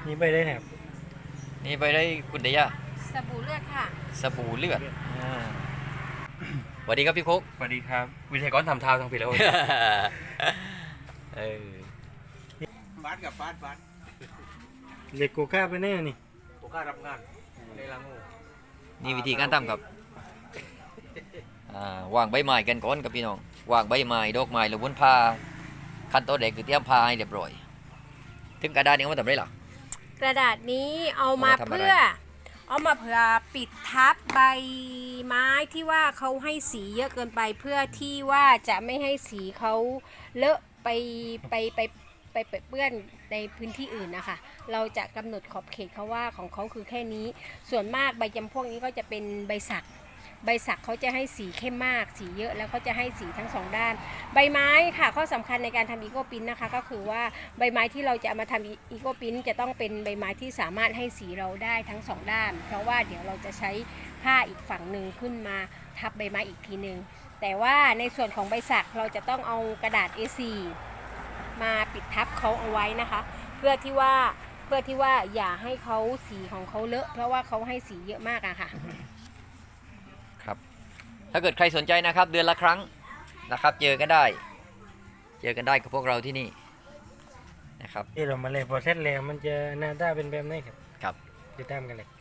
นี่ไปได้ครับนี่ไปได้คุณเดียสบู่เลือดค่ะสบู่เลือดสวัสดีครับพี่คุกสวัสดีครับวิทยากรทำเท้าทางผิดแล้วบาสกับบาสเล็กโกก้าไปแน่นี่โอกล้ารับงานในลังงูนี่วิธีการทำครับวางใบไม้กันก่อนกับพี่น้องวางใบไม้ดอกไม้หรือวุ้นผ้าขั้นตอนแรกคือเตรียมผ้าให้เรียบร้อยถึงกระดาษนี้เอามาทำไรหรอกระดาษนี้เอามาเพื่อปิดทับใบไม้ที่ว่าเขาให้สีเยอะเกินไปเพื่อที่ว่าจะไม่ให้สีเขาเลอะไปเปื้อนในพื้นที่อื่นนะคะเราจะกำหนดขอบเขตเขาว่าของเขาคือแค่นี้ส่วนมากใบจำพวกนี้ก็จะเป็นใบสักเขาจะให้สีเข้มมากสีเยอะแล้วเขาจะให้สีทั้งสองด้านใบไม้ค่ะข้อสำคัญในการทำอีโกปิ้นนะคะก็คือว่าใบไม้ที่เราจะเอามาทำอีโกปิ้นจะต้องเป็นใบไม้ที่สามารถให้สีเราได้ทั้งสองด้านเพราะว่าเดี๋ยวเราจะใช้ผ้าอีกฝั่งหนึ่งขึ้นมาทับใบไม้อีกทีหนึ่งแต่ว่าในส่วนของใบสักเราจะต้องเอากระดาษ A4 มาปิดทับเขาเอาไว้นะคะเพื่อที่ว่าอย่าให้เขาสีของเขาเลอะเพราะว่าเขาให้สีเยอะมากอะค่ะครับถ้าเกิดใครสนใจนะครับเดือนละครั้งนะครับเจอกันได้กับพวกเราที่นี่นะครับที่เรามาเลยพอเสร็จแล้วมันจะหน้าตาเป็นแบบไหนครับครับติดตามกันเลย